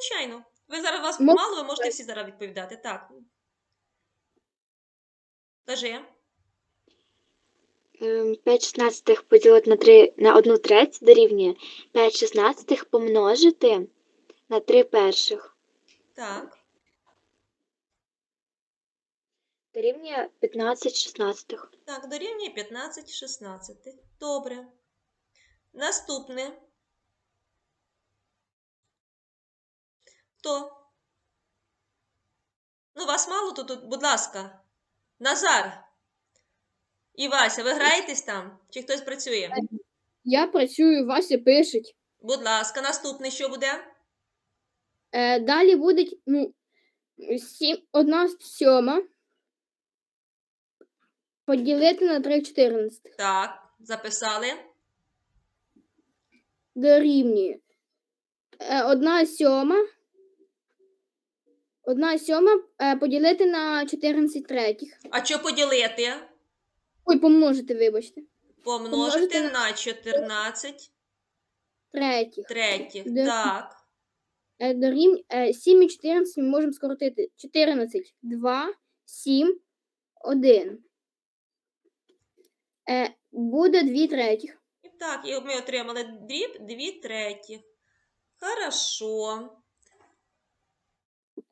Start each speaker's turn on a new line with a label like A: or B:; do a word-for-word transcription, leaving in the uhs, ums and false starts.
A: звичайно. Ви зараз вас
B: Мо-
A: мало, ви можете всі зараз відповідати. Так. Кажи.
C: Ем, п'ять шістнадцятих поділити на три на одну треть дорівнює п'ять шістнадцятих помножити на три перших.
A: Так.
C: Дорівнює п'ятнадцять шістнадцятих.
A: Так, дорівнює п'ятнадцять шістнадцятих. Добре. Наступне. Хто? Ну, вас мало тут, тут, будь ласка. Назар. І Вася, ви граєтесь там? Чи хтось працює?
B: Я працюю, Вася пишеть.
A: Будь ласка, наступне що буде?
B: Е, далі буде ну, сім, одна сьома поділити на три чотирнадцятих.
A: Так, записали.
B: Дорівнює. Е, одна сьома. Одна сьома е, поділити на чотирнадцять третіх.
A: А що поділити?
B: Ой, помножити, вибачте.
A: Помножити
B: Помножити на-
A: на чотирнадцять
B: Третіх.
A: третіх.
B: Де-
A: Так.
B: Е, дорівнює е, сім і чотирнадцять ми можемо скоротити. чотирнадцять, два, сім, один. Е, буде дві третіх.
A: І так, і ми отримали дріб дві третіх. Хорошо.